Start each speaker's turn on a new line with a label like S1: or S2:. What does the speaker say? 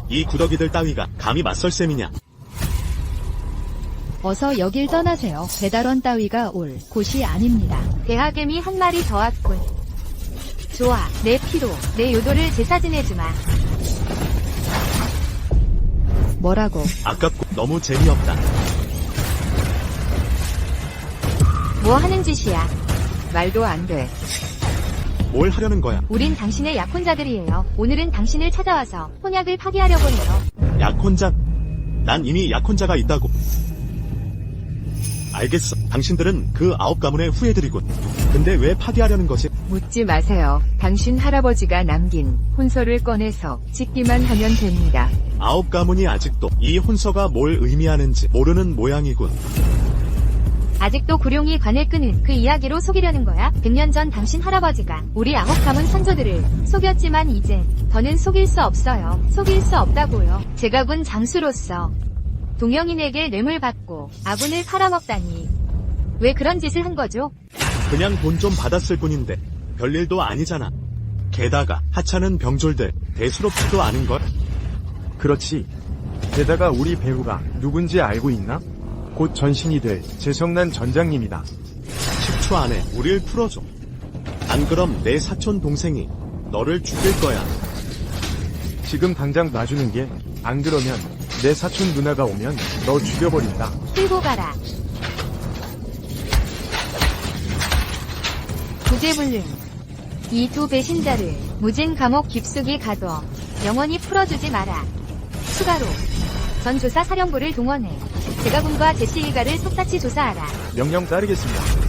S1: 이 구더기들 따위가 감히 맞설 셈이냐.
S2: 어서 여길 떠나세요. 배달원 따위가 올 곳이 아닙니다.
S3: 대하개미 한 마리 더 왔군. 좋아, 내 피로, 내 요도를 제사지내주마.
S2: 뭐라고?
S1: 아깝고 너무 재미없다.
S3: 뭐 하는 짓이야?
S4: 말도 안 돼.
S1: 뭘 하려는 거야?
S3: 우린 당신의 약혼자들이에요. 오늘은 당신을 찾아와서 혼약을 파기하려고 해요.
S1: 약혼자? 난 이미 약혼자가 있다고. 알겠어. 당신들은 그 9가문의 후예들이군. 근데 왜 파기하려는 거지?
S4: 묻지 마세요. 당신 할아버지가 남긴 혼서를 꺼내서 짓기만 하면 됩니다.
S1: 9가문이 아직도 이 혼서가 뭘 의미하는지 모르는 모양이군.
S3: 아직도 구룡이 관을 끄는 그 이야기로 속이려는 거야? 100년 전 당신 할아버지가 우리 9가문 선조들을 속였지만 이제 더는 속일 수 없어요. 속일 수 없다고요. 제가 군 장수로서 동영인에게 뇌물 받고 아군을 팔아먹다니. 왜 그런 짓을 한 거죠?
S1: 그냥 돈 좀 받았을 뿐인데 별일도 아니잖아. 게다가 하찮은 병졸들 대수롭지도 않은걸?
S5: 그렇지. 게다가 우리 배우가 누군지 알고 있나? 곧 전신이 될 재성난 전장님이다.
S1: 10초 안에 우릴 풀어줘. 안 그럼 내 사촌 동생이 너를 죽일 거야.
S5: 지금 당장 놔주는 게, 안 그러면 내 사촌 누나가 오면 너 죽여버린다.
S3: 끌고 가라. 구제불능. 이 두 배신자를 무진 감옥 깊숙이 가둬 영원히 풀어주지 마라. 추가로 전 조사 사령부를 동원해 제가군과 제시 일가를 샅샅이 조사하라.
S5: 명령 따르겠습니다.